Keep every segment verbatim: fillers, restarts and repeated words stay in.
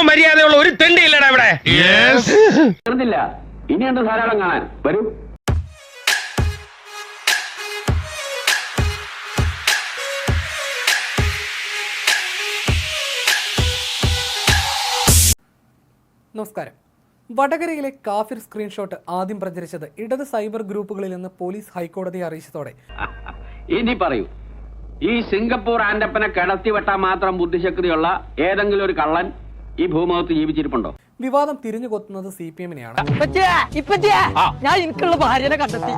മര്യാദയുള്ള ഒരു തെണ്ടി ഇല്ലടാ ഇവിടെ. ഇനിയുണ്ട് ധാരാളം കാണാൻ. വരൂ. നമസ്കാരം. വടകരയിലെ കാഫിർ സ്ക്രീൻഷോട്ട് ആദ്യം പ്രചരിച്ചത് ഇടത് സൈബർ ഗ്രൂപ്പുകളിൽ നിന്ന് പോലീസ് ഹൈക്കോടതിയെ അറിയിച്ചതോടെ ഇനി പറയൂ, ഈ സിംഗപ്പൂർ ആൻഡപ്പനെ കിടത്തിവെട്ടാൻ മാത്രം ബുദ്ധിശക്തിയുള്ള ഏതെങ്കിലും ഒരു കള്ളൻ ഈ ഭൂമുഖത്ത് ജീവിച്ചിരിപ്പുണ്ടോ? വിവാദം തിരിഞ്ഞുകൊത്തുന്നത് സി പി എമ്മിനെയാണ്. ഞാൻ എനിക്കുള്ള ഭാര്യനെ കണ്ടെത്തി.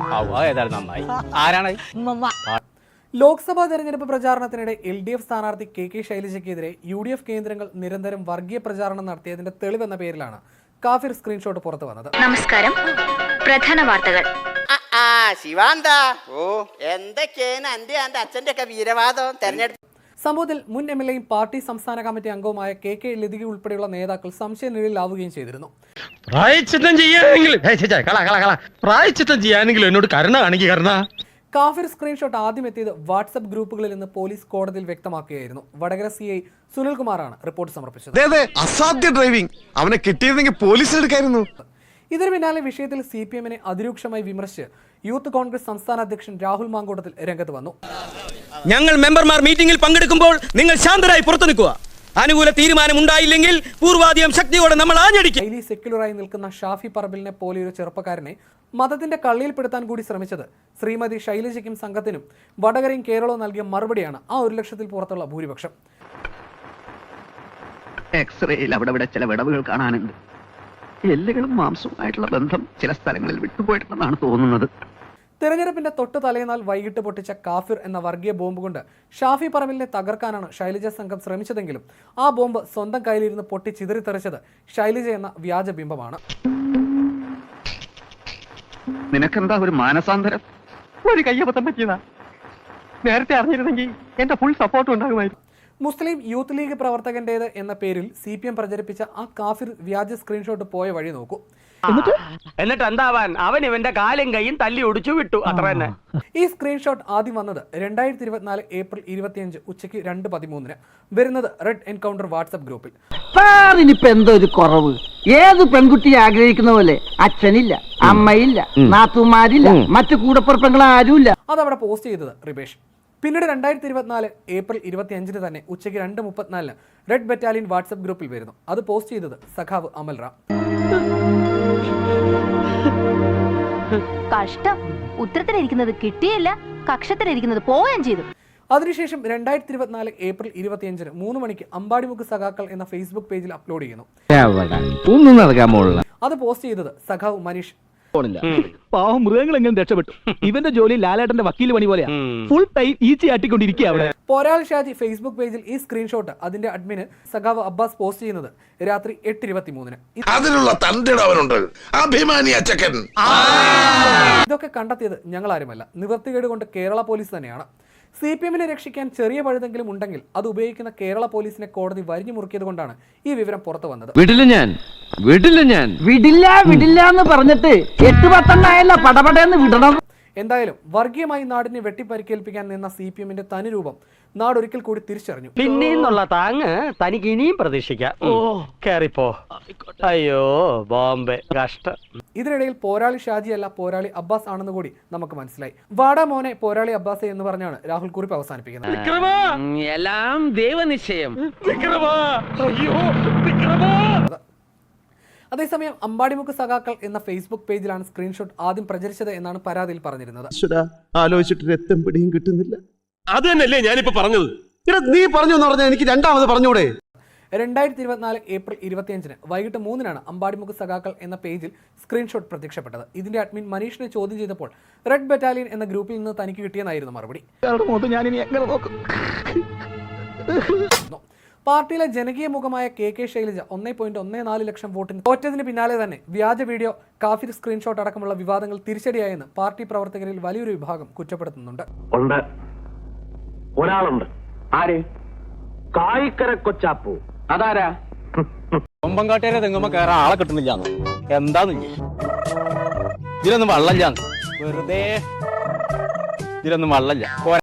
ലോക്സഭാ തെരഞ്ഞെടുപ്പ് പ്രചാരണത്തിനിടെ എൽ ഡി എഫ് സ്ഥാനാർത്ഥി കെ കെ ശൈലജയ്ക്കെതിരെ യു ഡി എഫ് കേന്ദ്രങ്ങൾ നിരന്തരം വർഗീയ പ്രചാരണം നടത്തിയതിന്റെ തെളിവെന്ന പേരിലാണ് കാഫിർ സ്ക്രീൻഷോട്ട് പുറത്തു വന്നത്. നമസ്കാരം. പ്രധാന വാർത്തകൾ. ശിവാന്ത ഓ എന്തൊക്കെയാണ് എന്റെ എന്റെ അച്ഛന്റെ ഒക്കെ വീരവാദം തെരഞ്ഞെടുപ്പ് സംഭവത്തിൽ മുൻ എം എൽ എയും പാർട്ടി സംസ്ഥാന കമ്മിറ്റി അംഗവുമായ കെ കെ ലതിക ഉൾപ്പെടെയുള്ള നേതാക്കൾ സംശയനിഴലിലാവുകയും ചെയ്തിരുന്നു. പ്രായച്ചിത്തം ചെയ്യാനെങ്കിലും പ്രായച്ചിത്തം ചെയ്യാനെങ്കിലും എന്നോട് കരുണ കാണിക്കുക. കരുണ കാഫിർ സ്ക്രീൻഷോട്ട് ആദ്യം എത്തിയത് വാട്സ്ആപ്പ് ഗ്രൂപ്പുകളിൽ നിന്ന് പോലീസ് കോടതിയിൽ വ്യക്തമാക്കുകയായിരുന്നു. വടകര സി ഐ സുനിൽകുമാറാണ് റിപ്പോർട്ട് സമർപ്പിച്ചത്. അസാധ്യ ഡ്രൈവിംഗ്, അവനെ കിട്ടിയിരുന്നെങ്കിൽ പോലീസിൽ എടുക്കായിരുന്നു. ഇതിനു പിന്നാലെ വിഷയത്തിൽ സി പി എമ്മിനെ അതിരൂക്ഷമായി വിമർശിച്ച് യൂത്ത് കോൺഗ്രസ് സംസ്ഥാന അധ്യക്ഷൻ രാഹുൽ മാങ്കൂട്ടത്തിൽ രംഗത്ത് വന്നു. ഞങ്ങൾ മെമ്പർമാർ മീറ്റിംഗിൽ പങ്കെടുക്കുമ്പോൾ നിങ്ങൾ ശാന്തരായി പുറത്തു നിൽക്കുക. അനുകൂല തീരുമാനം ഉണ്ടായില്ലെങ്കിൽ പൂർവാധികം ശക്തിയോടെ നമ്മൾ ആഞ്ഞടിക്കും. ഹൈലി സെക്യുലറായി നിൽക്കുന്ന ഷാഫി പറമ്പിലിനെ പോലെയൊരു ചെറുപ്പക്കാരനെ മതത്തിന്റെ കള്ളിയിൽപ്പെടുത്താൻ കൂടി ശ്രമിച്ചത് ശ്രീമതി ശൈലജയ്ക്കും സംഘത്തിനും വടകരയും കേരളവും നൽകിയ മറുപടിയാണ് ആ ഒരു ലക്ഷത്തിൽ പുറത്തുള്ള ഭൂരിപക്ഷം. എക്സ്റേയിൽ അവിടെ ഇവിടെ ചില വിടവുകൾ കാണാനുണ്ട്. എല്ലുകളും മാംസവുമായിട്ടുള്ള ബന്ധം ചില സ്ഥലങ്ങളിൽ വിട്ടുപോയിട്ടുണ്ടെന്നാണ് തോന്നുന്നത്. തെരഞ്ഞെടുപ്പിന്റെ തൊട്ട് തലേന്നാൾ വൈകിട്ട് പൊട്ടിച്ച കാഫിർ എന്ന വർഗീയ ബോംബ് കൊണ്ട് ഷാഫി പറമ്പിലിനെ തകർക്കാനാണ് ശൈലജ സംഘം ശ്രമിച്ചതെങ്കിലും ആ ബോംബ് സ്വന്തം കയ്യിലിരുന്ന് പൊട്ടി ചിതറിത്തെറിച്ചത് ശൈലജ എന്ന വ്യാജ ബിംബമാണ്. നിനക്കെന്താ ഒരു മാനസാന്തരം? ഒരു കയ്യബദ്ധം പറ്റിയതാ. നേരത്തെ അറിഞ്ഞിരുന്നെങ്കിൽ എന്റെ ഫുൾ സപ്പോർട്ട് ഉണ്ടാകുമായിരുന്നു. മുസ്ലിം യൂത്ത് ലീഗ് പ്രവർത്തകന്റേത് എന്ന പേരിൽ സി പി എം പ്രചരിപ്പിച്ച ആ കാഫിർ വ്യാജ സ്ക്രീൻഷോട്ട് പോയ വഴി നോക്കൂ. എന്നിട്ട് എന്താവാൻ, അവൻ ഇവന്റെ കാലും കൈയും തല്ലി ഒടിച്ചു വിട്ടു, അത്ര തന്നെ. ഈ സ്ക്രീൻഷോട്ട് ആദ്യം വന്നത് രണ്ടായിരത്തി ഇരുപത്തിനാല് ഏപ്രിൽ ഇരുപത്തിയഞ്ച് ഉച്ചയ്ക്ക് രണ്ട് പതിമൂന്നിന് വരുന്നത് റെഡ് എൻകൗണ്ടർ വാട്സ്ആപ്പ് ഗ്രൂപ്പിൽ. സാറിനിപ്പോ എന്തോ ഒരു കുറവ്. ഏത് പെൺകുട്ടിയെ ആഗ്രഹിക്കുന്ന പോലെ അച്ഛനില്ല, അമ്മയില്ല, നാത്തുമാരില്ല, മറ്റു കൂടപ്പുറപ്പങ്ങൾ ആരുമില്ല. അതവിടെ പോസ്റ്റ് ചെയ്തത് റിബേഷ്. പിന്നീട് രണ്ടായിരത്തി ഇരുപത്തിനാല് ഏപ്രിൽ ഇരുപത്തി അഞ്ചിന് തന്നെ ഉച്ചയ്ക്ക് രണ്ട് മുപ്പത്തിനാലിന് റെഡ് ബറ്റാലിയൻ വാട്സ്ആപ്പ് ഗ്രൂപ്പിൽ വരുന്നു. അത് പോസ്റ്റ് ചെയ്തത് സഖാവ് അമൽ റാം. കഷ്ടം. ഉത്തരത്തിലിരിക്കുന്നത് കിട്ടിയില്ല, കക്ഷത്തിലിരിക്കുന്നത് പോവുകയും ചെയ്തു. അതിനുശേഷം രണ്ടായിരത്തി ഇരുപത്തിനാല് ഏപ്രിൽ ഇരുപത്തിയഞ്ചിന് മൂന്ന് മണിക്ക് അമ്പാടിമുക്ക് സഖാക്കൾ എന്ന ഫേസ്ബുക്ക് പേജിൽ അപ്ലോഡ് ചെയ്യുന്നു. അത് പോസ്റ്റ് ചെയ്തത് സഖാവ് മനീഷ്. പാവം മൃഗങ്ങൾ എങ്ങനെ രക്ഷപ്പെട്ടു. ഇവന്റെ ജോലി ലാലേട്ടന്റെ വക്കീൽ പണി പോലെയാ. ഫുൾ ടൈം ഈച്ചി ആട്ടിക്കൊണ്ടിരിക്കുക അവിടെ. പോരാൾ ഷാജി ഫേസ്ബുക്ക് പേജിൽ ഈ സ്ക്രീൻഷോട്ട് അതിന്റെ അഡ്മിന് സഖാവ് അബ്ബാസ് പോസ്റ്റ് ചെയ്യുന്നത് രാത്രി എട്ട് ഇരുപത്തി മൂന്നിന്. ഇതൊക്കെ കണ്ടെത്തിയത് ഞങ്ങളാരുമല്ല, നിവൃത്തികേട് കൊണ്ട് കേരള പോലീസ് തന്നെയാണ്. സി പി എമ്മിനെ രക്ഷിക്കാൻ ചെറിയ പഴുതെങ്കിലും ഉണ്ടെങ്കിൽ അത് ഉപയോഗിക്കുന്ന കേരള പോലീസിനെ കോടതി വരിഞ്ഞു മുറുക്കിയത് കൊണ്ടാണ് ഈ വിവരം പുറത്തു വന്നത്. വിടില്ല ഞാൻ വിടില്ല ഞാൻ വിടില്ല വിടില്ല എന്ന് പറഞ്ഞിട്ട് എട്ട് പത്തെണ്ണായല്ല പടപടയെന്ന് വിടണം. എന്തായാലും വർഗീയമായി നാടിനെ വെട്ടിപ്പരിക്കേൽപ്പിക്കാൻ നിന്ന സി പി എമ്മിന്റെ തനിരൂപം നാടൊരിക്കൽ കൂടി തിരിച്ചറിഞ്ഞു. പിന്നെന്നുള്ള താങ്ങ് തനിക്ക് ഇനിയും പ്രതീക്ഷിക്കാം. ഓ കേറിപ്പോ. അയ്യോ ബോംബെ കഷ്ടം. ഇതിനിടയിൽ പോരാളി ഷാജിയല്ല പോരാളി അബ്ബാസ് ആണെന്ന് കൂടി നമുക്ക് മനസ്സിലായി. വാടാ മോനെ പോരാളി അബ്ബാസെ എന്ന് പറഞ്ഞാണ് രാഹുൽ കുറിപ്പ് അവസാനിപ്പിക്കുന്നത്. എല്ലാം ദൈവനിശ്ചയം. അതേസമയം അമ്പാടിമുക്ക് സഖാക്കൾ എന്ന ഫേസ്ബുക്ക് പേജിലാണ് സ്ക്രീൻഷോട്ട് ആദ്യം പ്രചരിച്ചത് എന്നാണ് പരാതിയിൽ പറഞ്ഞിരുന്നത്. ആലോചിച്ചിട്ട് രക്തം പിടിയും കിട്ടുന്നില്ല. അത് തന്നെയല്ലേ ഞാനിപ്പോ പറഞ്ഞത്. നീ പറഞ്ഞു എന്ന് പറഞ്ഞാൽ എനിക്ക് രണ്ടാമത് പറഞ്ഞൂടെ? രണ്ടായിരത്തി ഇരുപത്തിനാല് ഏപ്രിൽ ഇരുപത്തിയഞ്ചിന് വൈകിട്ട് മൂന്നിനാണ് അമ്പാടിമുക്ക് സഖാക്കൾ എന്ന പേജിൽ സ്ക്രീൻഷോട്ട് പ്രത്യക്ഷപ്പെട്ടത്. ഇതിന്റെ അഡ്മിൻ മനീഷിനെ ചോദ്യം ചെയ്തപ്പോൾ റെഡ് ബറ്റാലിയൻ എന്ന ഗ്രൂപ്പിൽ നിന്ന് തനിക്ക് കിട്ടിയെന്നായിരുന്നു മറുപടി. പാർട്ടിയിലെ ജനകീയ മുഖമായ കെ കെ ശൈലജ ഒന്നേ പോയിന്റ് ഒന്നേ നാല് ലക്ഷം വോട്ടിന് തോറ്റതിന് പിന്നാലെ തന്നെ വ്യാജ വീഡിയോ, കാഫിർ സ്ക്രീൻഷോട്ട് അടക്കമുള്ള വിവാദങ്ങൾ തിരിച്ചടിയായെന്ന് പാർട്ടി പ്രവർത്തകരിൽ വലിയൊരു വിഭാഗം കുറ്റപ്പെടുത്തുന്നുണ്ട്. ഒരാളുണ്ട്. ആര്? കായിക്കര കൊച്ചാപ്പു. അതാരാ? കൊമ്പങ്കാട്ടേരെ തെങ്ങുമ്പോ കയറാൻ ആളെ കിട്ടുന്നില്ല. എന്താന്ന് ഇതിലൊന്നും വള്ളല്ല. വെറുതെ ഇതിലൊന്നും വള്ളല്ല.